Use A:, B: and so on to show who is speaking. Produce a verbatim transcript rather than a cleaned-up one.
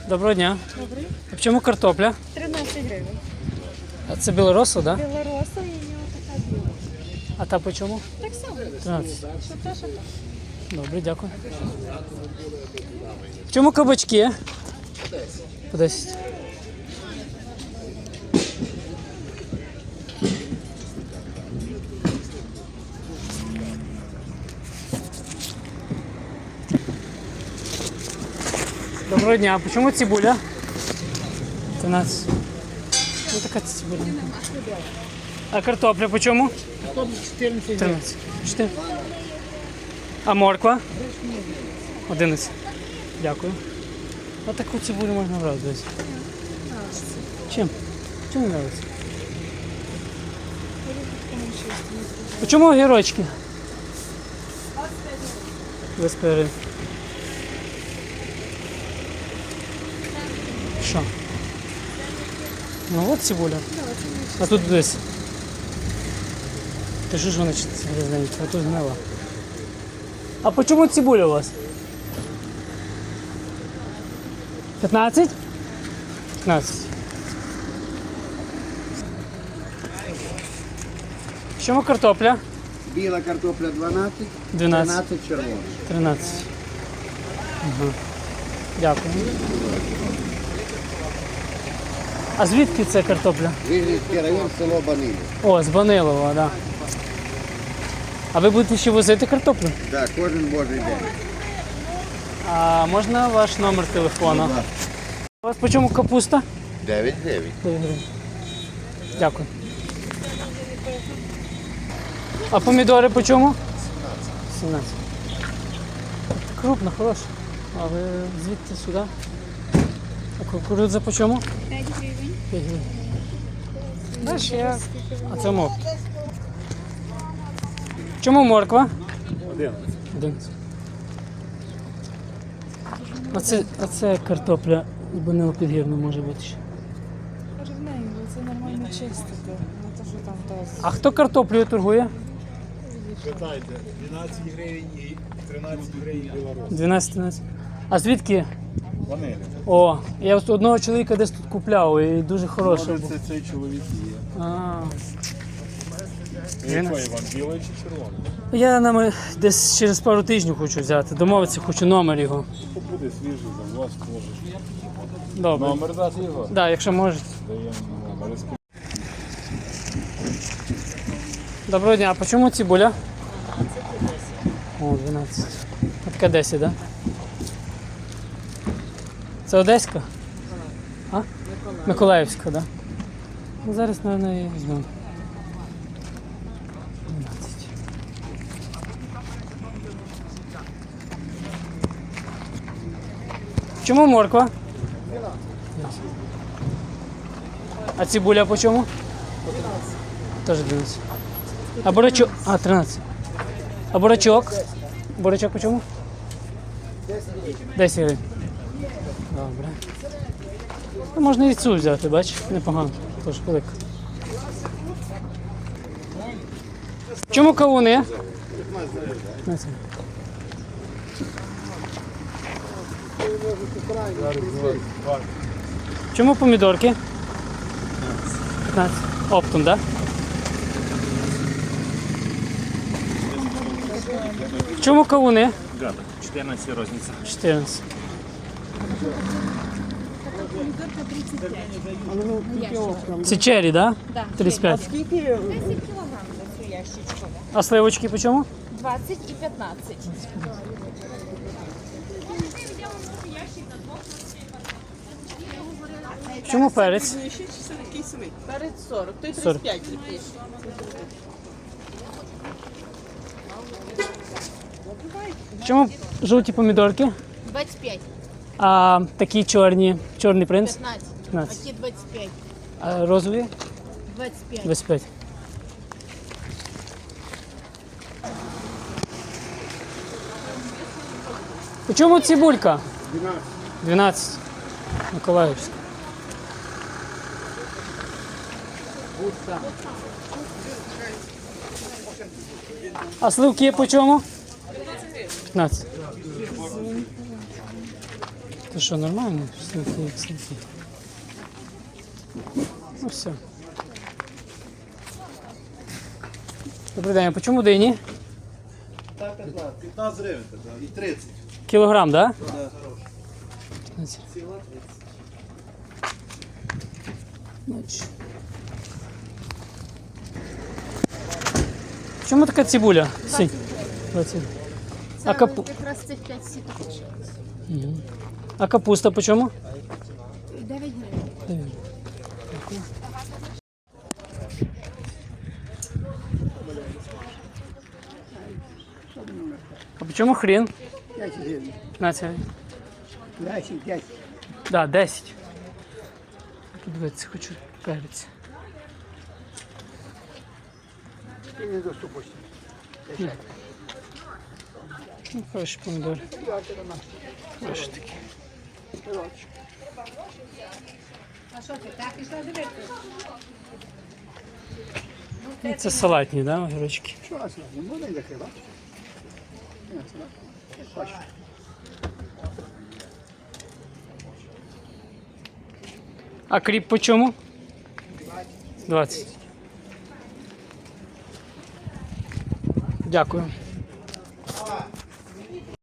A: Доброго дня.
B: Добрий.
A: А в чому картопля?
B: тринадцять гривень.
A: А це білоросу, так? Да?
B: Білороса і в нього така біла.
A: А та по чому?
B: Так само.
A: тринадцять.
B: Що те, що те.
A: Добре, дякую. В чому кабачки? По десять. Доброго дня. А по чому цибуля? тринадцять. Ну така цибуля. А картопля по чому? тринадцять. чотири. А морква? одинадцять. Дякую. Ось таку цибулю можна брати десь. Чим? Чим не подобається? По чому огірочки? двадцять п'ять гривень. Що? Ну от цибуля. А тут десь. Ти що ж вона грязненька, а тут гнила. А по чому цибуля у вас? п'ятнадцять? п'ятнадцять. В чому картопля?
C: Біла картопля дванадцять,
A: дванадцять.
C: тринадцять червона.
A: тринадцять. Ага. Дякую. А звідки це картопля?
C: Вижницький район, село Банилів.
A: О, з Банилова, так. Да. А ви будете ще возити картоплю?
C: Так, кожен божий день.
A: А можна ваш номер телефону? У вас по чому капуста?
C: дев'ять дев'ять.
A: Дякую. А помідори по чому? сімнадцять. Крупно, хороша. А ви звідти сюди? А кукурудза по чому?
B: п'ять гривень.
A: п'ять гривень. Знаєш, я... А це мов. Чому морква?
D: одинадцять.
A: одинадцять. А це, а це картопля з Банило Підгірну може бути ще.
B: Рівненько, це нормально чистити. Не те, що там то.
A: А хто картоплею торгує?
D: Питайте, дванадцять гривень і тринадцять гривень білорус.
A: дванадцять тринадцять. А звідки?
D: Вони.
A: О, я от одного чоловіка десь тут купляв і дуже хороший
D: Може
A: був.
D: це цей чоловік є.
A: А,
D: Який вам, білий чи червоний?
A: я нам десь через пару тижнів хочу взяти. Домовитися хочу номер його.
D: Буде свіжий, за вас можеш.
A: Добре.
D: Номер дати його?
A: Так, да, якщо можете.
D: Даємо номер.
A: Доброго дня. А по чому цибуля? О, дванадцять. А така десять, так? Да? Це Одеська? А? Миколаївська, так? Да? Ну, зараз, мабуть, її візьмемо. дванадцять. Чому морква? А цибуля по чому? Теж дванадцять. А бурачок? А, тринадцять. А бурачок? Бурачок по чому? десять гривень. Добре. Ну, можна і цю взяти, бачиш? Непогано. Тож велика. Чому кавуни? п'ятнадцять. Чому помідорки? п'ятнадцять. Оптом, так? Да? Чому кавуни?
D: Гада, чотирнадцять розниця.
A: чотирнадцять. Це черрі, так?
B: Да.
A: тридцять п'ять.
B: десять кілограм за цю ящичку.
A: А сливочки по чому?
B: двадцять і п'ятнадцять.
A: Чому перець?
E: Перед сорок, той
A: сорок.
E: тридцять п'ять такий.
A: Чому жовті помідорки?
B: двадцять п'ять.
A: А такі чорні, чорний принц?
B: п'ятнадцять.
A: п'ятнадцять.
B: Оті двадцять п'ять.
A: А розові?
B: двадцять п'ять.
A: двадцять п'ять. У чому цибулька?
C: дванадцять.
A: дванадцять. Миколаївська. А сливки по чому? п'ятнадцять. То що, нормально? Слухай, як слухай. Ну все. Добрий день, а по чому дині?
D: п'ятнадцять гривень і тридцять.
A: Кілограм, так? Да?
D: Да.
A: п'ятнадцять. Значить. В чому така цибуля? Сінь. двадцять.
F: Це
A: А капу-
F: якраз цих п'ять сіток.
A: А капуста по чому?
F: дев'ять гривень.
A: А по чому хрін?
C: десять гривень.
A: п'ятнадцять гривень.
C: десять, десять.
A: Да, десять. Подивитися, хочу перець.
C: І не доступності.
A: Ну, хороші помідори. Хороші такі. Ну, це салатні, да, огірочки?
C: Що у вас? Не буде закрива?
A: А кріп по чому? двадцять. Дякую.